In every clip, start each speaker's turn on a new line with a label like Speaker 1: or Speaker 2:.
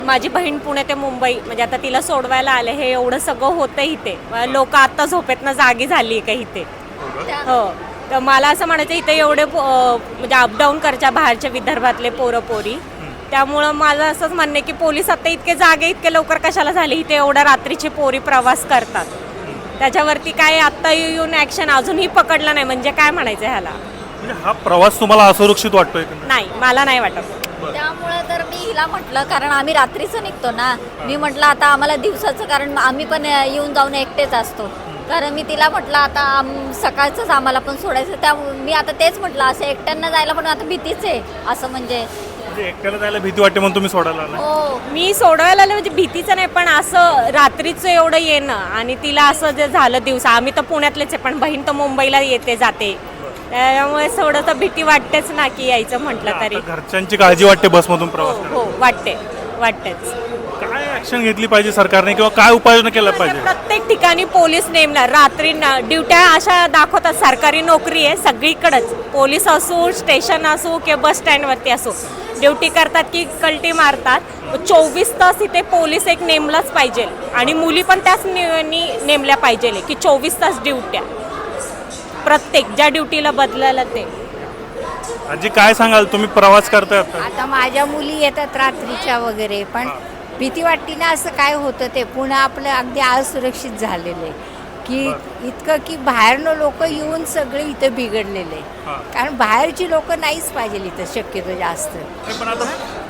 Speaker 1: माझी बहीण पुणे ते मुंबई म्हणजे आता तिला सोडवायला आले, हे एवढं सगळं होतं इथे. लोक आता झोपेतनं जागी झाली का इथे. हो, तर मला असं म्हणायचं इथे एवढे म्हणजे अपडाऊन करायच्या बाहेरच्या विदर्भातले पोरं पोरी, त्यामुळं मला असंच म्हणणं आहे की पोलीस आता इतके जागे इतके लवकर कशाला झाले, इथे एवढ्या रात्रीचे पोरी प्रवास करतात, त्याच्यावरती काय आत्ता येऊन ॲक्शन अजूनही पकडलं नाही, म्हणजे काय म्हणायचं ह्याला.
Speaker 2: म्हणजे हा प्रवास तुम्हाला असुरक्षित वाटतोय का?
Speaker 1: नाही, मला नाही वाटत.
Speaker 3: त्यामुळे तर मी हिला म्हटलं, कारण आम्ही रात्रीचं निघतो ना, मी म्हटलं आता आम्हाला दिवसाचं, कारण आम्ही पण येऊन जाऊन एकटेच असतो, कारण मी तिला म्हटलं आता सकाळचंच आम्हाला पण सोडायचं, त्या मी आता तेच म्हटलं असं एकट्यांना जायला पण आता भीतीच आहे, असं म्हणजे
Speaker 2: एकट्याला जायला भीती वाटते म्हणून तुम्ही सोडायला आला?
Speaker 3: हो,
Speaker 1: मी सोडवायला आले म्हणजे भीतीचं नाही, पण असं रात्रीचं एवढं येणं आणि तिला असं जे झालं दिवसा, आम्ही तर पुण्यातलेच आहे पण बहीण तर मुंबईला येते जाते, त्यामुळे थोडं तर भीती वाटतेच ना की यायचं म्हटलं तरी.
Speaker 2: घरच्यांची काळजी वाटते बसमधून प्रवास
Speaker 1: हो
Speaker 2: करायला.
Speaker 1: वाटतेच.
Speaker 2: काय ऍक्शन घेतली पाहिजे सरकारने किंवा काय उपाययोजना केल्या पाहिजे?
Speaker 1: प्रत्येक ठिकाणी पोलीस नेमणार, रात्री ड्युट्या अशा दाखवतात, सरकारी नोकरी आहे सगळीकडेच, पोलीस असो, स्टेशन असो किंवा बस स्टँडवरती असो, ड्युटी करतात की कल्टी मारतात. 24 तास इथे पोलीस एक नेमलाच पाहिजे आणि मुली पण त्याच नेमल्या पाहिजे की 24 तास ड्युट्या, प्रत्येक ज्या ड्युटीला बदलायला ते.
Speaker 2: आजी काय सांगाल, तुम्ही प्रवास करताय आता?
Speaker 4: आता माझ्या मुली येतात रात्रीच्या वगैरे, पण भीती वाटते ना, असं काय होतं ते पुन्हा आपलं अगदी असुरक्षित झालेलं आहे की इतकं की बाहेरनं लोक येऊन सगळे इथं बिघडलेले आहे, कारण बाहेरची लोक नाहीच पाहिजे इथं शक्यतो जास्त.
Speaker 2: पण आता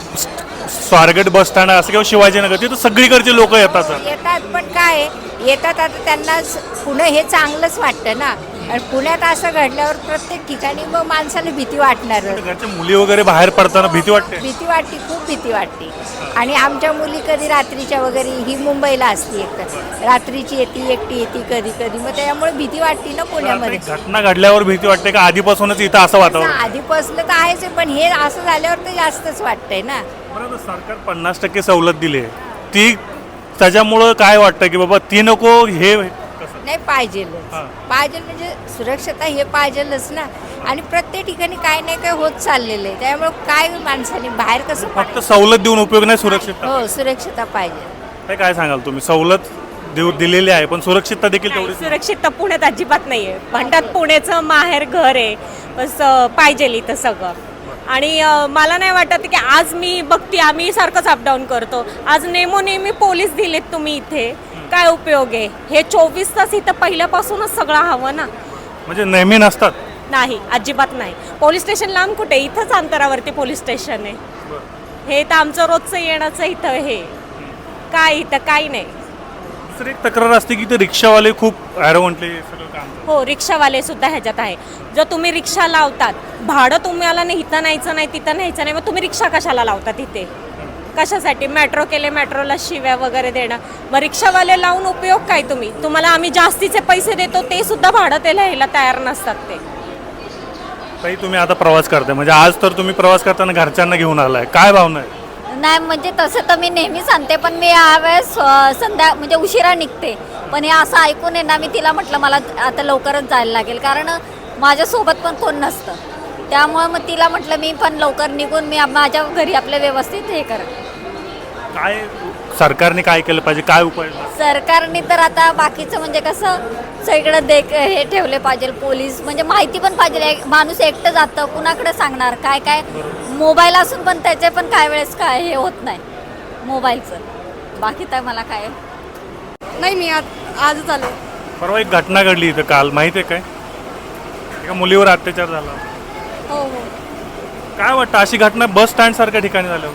Speaker 2: स्वारगेट बस स्टँड असं किंवा शिवाजीनगर तिथं सगळीकडचे लोक येतात
Speaker 4: पण काय येतात आता त्यांना पुणे हे चांगलंच वाटतं ना, आणि पुण्यात असं घडल्यावर प्रत्येक ठिकाणी मग माणसाला भीती वाटणार.
Speaker 2: घरच्या मुली वगैरे बाहेर पडताना भीती वाटते?
Speaker 4: भीती वाटते, खूप भीती वाटते. आणि आमच्या मुली कधी रात्रीच्या वगैरे, ही मुंबईला असते एकतर रात्रीची येते, एकटी येते कधी कधी, मग त्यामुळे भीती वाटते ना पुण्यामध्ये.
Speaker 2: घटना घडल्यावर भीती वाटते का आधीपासूनच इथं असं वातावरण?
Speaker 4: आधीपासून तर आहेच, पण हे असं झाल्यावर तर जास्तच वाटतंय ना.
Speaker 2: बरं, सरकार 50% सवलत दिली आहे, ती त्याच्यामुळं काय वाटतं की बाबा ती नको, हे
Speaker 4: नाही पाहिजेलच, पाहिजे म्हणजे सुरक्षता हे पाहिजेलच ना. आणि प्रत्येक ठिकाणी काय नाही काय होत चाललेलं आहे, त्यामुळे काय माणसाने बाहेर कसं
Speaker 2: फक्त सवलत देऊन उपयोग नाही, सुरक्षितता.
Speaker 4: हो, सुरक्षता पाहिजे.
Speaker 2: काय सांगाल तुम्ही? सवलत दिलेली आहे पण सुरक्षितता देखील तेवढी?
Speaker 1: सुरक्षितता पुण्यात अजिबात नाहीये, म्हणतात पुण्याचं माहेर घर आहे, बस पाहिजे इथं सगळं. आणि मला नाही वाटत की आज मी बघते, आम्ही सारखंच अपडाऊन करतो, आज नेमोनेमी पोलीस दिलेत तुम्ही इथे, काय उपयोग आहे? हे 24 तास इथं पहिल्यापासूनच सगळं हवं ना.
Speaker 2: म्हणजे नेहमी नसतात?
Speaker 1: नाही, अजिबात नाही. पोलीस स्टेशन लांब कुठे, इथंच अंतरावरती पोलीस स्टेशन आहे. हे तर आमचं रोजचं येण्याचं इथं, हे काय इथं काही नाही.
Speaker 2: दुसरी एक तक्रार असते की ते रिक्षावाले खूप ॲरोगंटली सगळं काम करतात.
Speaker 1: हो, रिक्षावाले सुद्धा ह्याच्यात आहे. जर तुम्ही रिक्षा लावतात, भाडं तुम्हाला नाही, इथं न्यायचं नाही, तिथं न्यायचं नाही, मग तुम्ही रिक्षा कशाला लावतात इथे? कशासाठी? मेट्रो केले, मेट्रोला शिव्या वगैरे देणं, मग रिक्षावाले लावून उपयोग काय? तुम्हाला आम्ही जास्तीचे पैसे देतो, ते सुद्धा भाडं ते लिहायला तयार नसतात ते.
Speaker 2: ताई, तुम्ही आता प्रवास करताय, म्हणजे आज तर तुम्ही प्रवास करताना घरच्यांना घेऊन आलाय, काय भावना आहे?
Speaker 3: नाही म्हणजे तसं तर मी नेहमीच आणते, पण मी यावेळेस म्हणजे उशिरा निघते, पण हे असं ऐकून आहे ना, मी तिला म्हटलं मला आता लवकरच जायला लागेल, कारण माझ्यासोबत पण कोण नसतं, त्यामुळे मग तिला म्हटलं मी पण लवकर निघून मी माझ्या घरी आपलं व्यवस्थित हे कर.
Speaker 2: काय सरकारने काय केलं पाहिजे, काय उपाय?
Speaker 3: सरकारने तर आता बाकीचं म्हणजे कसं सगळीकडे हे ठेवले पाहिजे, पोलीस म्हणजे माहिती पण पाहिजे, माणूस एकटं जातं कुणाकडे सांगणार, काय काय मोबाईल असून पण त्याचे पण काय वेळेस काय हे होत नाही मोबाईलचं. बाकी तर मला काय
Speaker 5: नाही, मी आजच आले.
Speaker 2: परवा एक घटना घडली इथं काल, माहिती आहे काय? एका मुलीवर अत्याचार झाला.
Speaker 5: हो हो.
Speaker 2: काय वाटतं अशी घटना बस स्टँड सारख्या ठिकाणी झाल्यावर?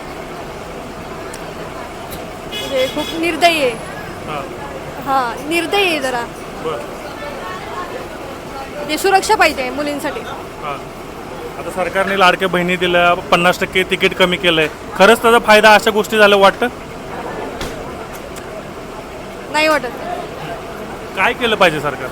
Speaker 5: म्हणजे खूप निर्दयी आहे. हां, निर्दयी आहे जरा. म्हणजे सुरक्षा पाहिजे मुलींसाठी.
Speaker 2: आता सरकारने लाडक्या बहिणी दिल्या, 50% तिकीट कमी केलंय, खरंच त्याचा फायदा अशा गोष्टी झाल्या वाटतं?
Speaker 5: नाही वाटत.
Speaker 2: काय केलं पाहिजे सरकार?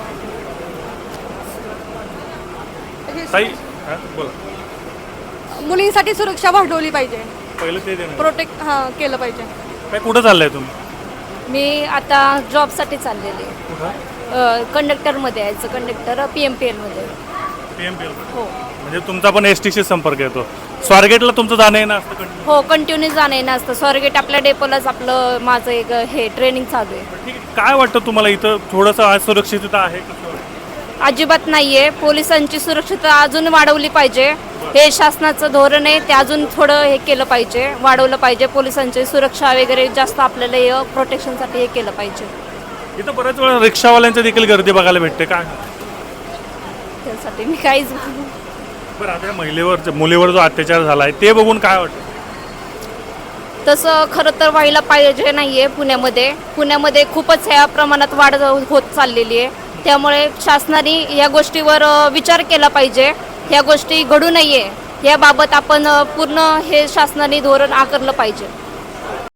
Speaker 2: ताई, बोला.
Speaker 5: मुलींसाठी सुरक्षा वाढवली पाहिजे,
Speaker 2: पहिलं ते देणं.
Speaker 5: प्रोटेक्ट केलं पाहिजे.
Speaker 2: काय कुठं चाललंय तुम्ही?
Speaker 6: मी आता जॉबसाठी चाललेले,
Speaker 2: कुठं?
Speaker 6: कंडक्टरमध्ये यायचं, कंडक्टर PMPL मध्ये.
Speaker 2: PMPL?
Speaker 6: हो.
Speaker 2: म्हणजे म्हणजे तुमचा पण एस टीशी संपर्क येतो. स्वारगेटला तुमचं जाणं येणं असतं continue?
Speaker 6: हो, कंटिन्यू जाणं येणं असतं. स्वारगेट आपल्या डेपोलाच आपलं माझं एक हे ट्रेनिंग चालू आहे.
Speaker 2: ठीक आहे. काय वाटतं तुम्हाला इथं थोडंसं असुरक्षितता आहे कसं वाटतं?
Speaker 6: अजिबात नाही आहे. पोलिसांची सुरक्षितता अजून वाढवली पाहिजे. हे शासनाचं धोरण आहे, ते अजून थोडं हे केलं पाहिजे, वाढवलं पाहिजे. पोलिसांची सुरक्षा वगैरे जास्त आपल्याला हे प्रोटेक्शनसाठी हे केलं पाहिजे.
Speaker 2: इथं बऱ्याच वेळा रिक्षावाल्यांची देखील गर्दी बघायला भेटते. काय
Speaker 6: त्यासाठी मी काहीच
Speaker 2: बरं, आता या मुलीवर जो अत्याचार झाला आहे ते बघून काय वाटतं?
Speaker 6: तसं खरं तर व्हायला पाहिजे नाही आहे. पुण्यामध्ये खूपच ह्या प्रमाणात वाढ होत चाललेली आहे. त्यामुळे शासनाने या गोष्टीवर विचार केला पाहिजे. ह्या गोष्टी घडू नये याबाबत आपण पूर्ण हे शासनाने धोरण आखलं पाहिजे.